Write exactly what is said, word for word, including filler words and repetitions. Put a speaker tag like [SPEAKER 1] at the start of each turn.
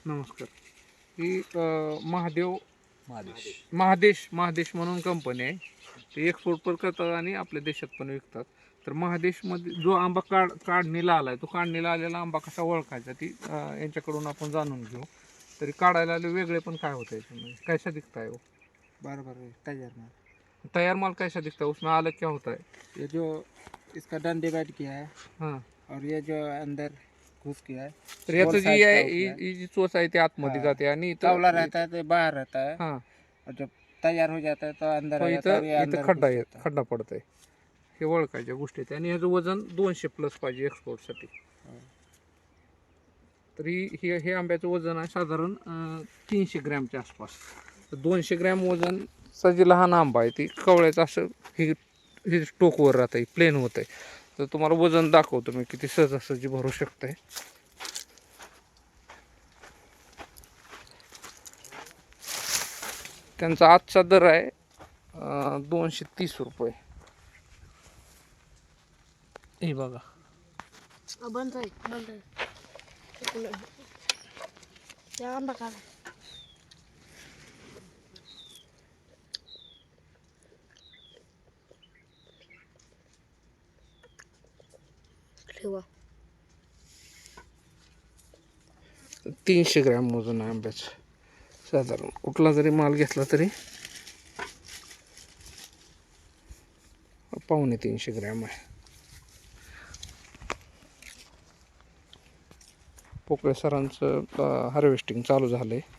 [SPEAKER 1] नमस्कार. ही अ, महादेव
[SPEAKER 2] महादेश
[SPEAKER 1] महादेश महादेश म्हणून कंपनी आहे. ते एक्सपोर्ट पण करतात आणि आपल्या देशात पण विकतात. तर महादेशमध्ये जो आंबा काढ काढणीला आला आहे तो काढणीला आलेला आंबा कसा ओळखायचा ती अ, यांच्याकडून आपण जाणून घेऊ. तरी काढायला आले वेगळे पण काय होतं याच्यामध्ये कैसा दिखता है वो?
[SPEAKER 3] बराबर है तैयार माल।
[SPEAKER 1] तैयार माल कैसा दिखता है उसमें अलग क्या होता है?
[SPEAKER 3] ये जो इसका डन डिवाइड किया है
[SPEAKER 1] हां.
[SPEAKER 3] और ये जो अंदर घुस किया है
[SPEAKER 1] तर याचं
[SPEAKER 3] गोल
[SPEAKER 1] जी
[SPEAKER 3] size
[SPEAKER 1] आहे
[SPEAKER 3] का
[SPEAKER 1] ही
[SPEAKER 3] होता है।
[SPEAKER 1] ही जी चोच आहे ती आतमध्ये
[SPEAKER 3] हाँ।
[SPEAKER 1] जाते आणि
[SPEAKER 3] कवला
[SPEAKER 1] इथं
[SPEAKER 3] रहता है तो बाहर रहता है
[SPEAKER 1] हां.
[SPEAKER 3] और जब तैयार हो जाता है तो अंदर
[SPEAKER 1] तो
[SPEAKER 3] आ जाता है और
[SPEAKER 1] इथं
[SPEAKER 3] ये
[SPEAKER 1] इथं
[SPEAKER 3] अंदर
[SPEAKER 1] खड्डा
[SPEAKER 3] घुस
[SPEAKER 1] येत
[SPEAKER 3] जाता है।
[SPEAKER 1] खड्डा पडतंय. हे ओळखायच्या गोष्टी आहेत आणि ह्याचं वजन दोनशे प्लस पाहिजे एक्सपोर्टसाठी.
[SPEAKER 3] हाँ।
[SPEAKER 1] तरी हे हे आंब्याचं वजन आहे साधारण अं, तीनशे ग्रॅमच्या आसपास. तर दोनशे ग्रॅम वजनचा जी लहान आंबा आहे ती कवळ्याचं असं हे हे टोकवर राहतं आहे प्लेन होतं आहे. तर तुम्हाला वजन दाखवतो मी किती सहजासहजी भरू शकतंय. त्यांचा आजचा दर आहे अं, दोनशे तीस रुपये. हे बघा
[SPEAKER 4] बंद आहे बंद आहे त्या आंबा काढा ठेवा.
[SPEAKER 1] तीनशे ग्रॅम वजन आहे आंब्याचं साधारण. कुठला जरी माल घेतला तरी पावणे तीनशे ग्रॅम आहे. पोकळे सरांचं हार्वेस्टिंग चालू झालं आहे.